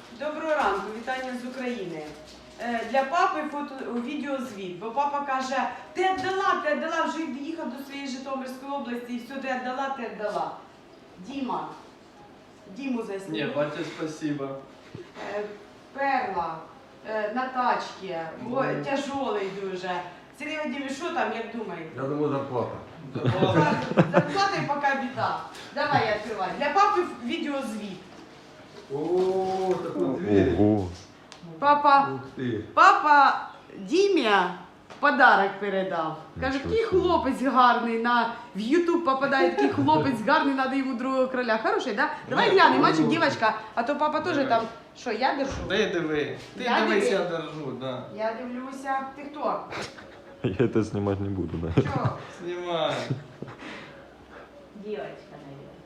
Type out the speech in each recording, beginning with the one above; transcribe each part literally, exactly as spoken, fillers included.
Доброго ранку, вітання з України. Е, Для папи фото, відеозвіт, бо папа каже, ти віддала, ти віддала, вже їхав до своєї Житомирської області і все, ти віддала, ти віддала. Діма, Діму засніми. Не, батя, спасибо. Е, Перла, е, на тачці, Ну. о, тяжолий дуже. Сергій Вадимович, що там, як думаєте? Я думаю, зарплата. Зарплата і поки біда. Давай я відкриваю. Для папи відеозвіт. О, такой дверь. Ого. Папа, Ух ты. папа Дімі подарок передав. Каже, Нічого який собі. хлопець гарний, на в Ютуб попадає, такий хлопець гарний, треба йому другого короля. Хороший, да? Давай Ні, глянемо, ну, мальчик, дівчинка, а то папа теж давай. там, що, я держу? Ты диви. Ты Я дивись, диви. я держу, да. Я дивлюся. Ти хто? Я это снимать не буду, да. Що? Снимай. Дівчинка, навіть.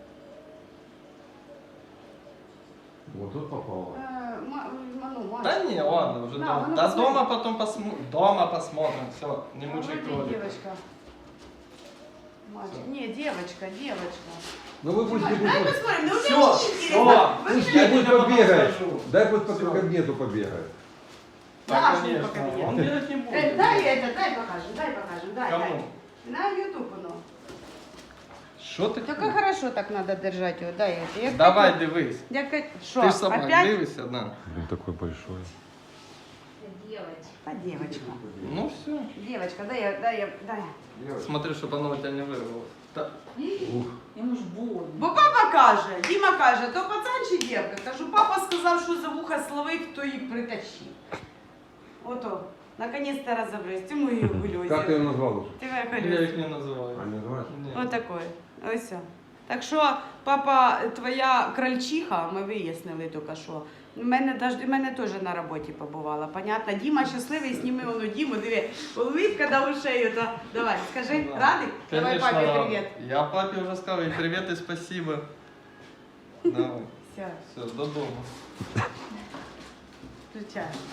Вот тут попало. Е, ма- ма- ну, Да мальчик. не, ладно, уже На, дома. ну, Да посмотри. дома потом посмотрим. Дома посмотрим. Все, не Ну, мучай вроде кролика. девочка. Мальчик. Не, девочка, девочка. Ну вы пусть Дай бегут. посмотрим, ну Всё, мне очень всё. интересно. Вы Пусть мне- бегут тебе потом побегает. скажу. Дай пусть по Всё. кабинету побегает. Да, Наш не конечно. по кабинету. Он делать не Э, будет. дай это, дай покажем, дай покажем, дай, Кому? дай. На YouTube оно. Что ты? Только хорошо так надо держать его, дай это. Я Давай, как- дивись. Я как... Что, Ты ж сама опять? дивишься, да. Блин, такой большой. Девочка. А, девочка. Ну все. Девочка, дай я, дай я, дай. Смотри, чтобы оно у тебя не вырвалось. Да. Ух. Йому ж больно. Бо папа каже, Діма каже, то пацан чи дівка? Кажу, папа сказав, що за вуха словив, то їх притащив. Ото, наконец-то розібрався. Ти мої гульозі. Как ты ее назвал уже? Ти Я моя их не называю. А не называешь? Нет. Ось такое. Ось все. Так що, папа, твоя крольчиха, ми вияснили тільки що. У мене, даж- у мене теж на роботі побувала, понятно? Діма щасливий, сніми воно Діму, диви, улыбка до ушей. То... Давай, скажи, Да. радий? Давай Конечно, папі рад. привіт. Я папе уже сказал, и привет, и спасибо. Давай. Все, Все, до дома. включай.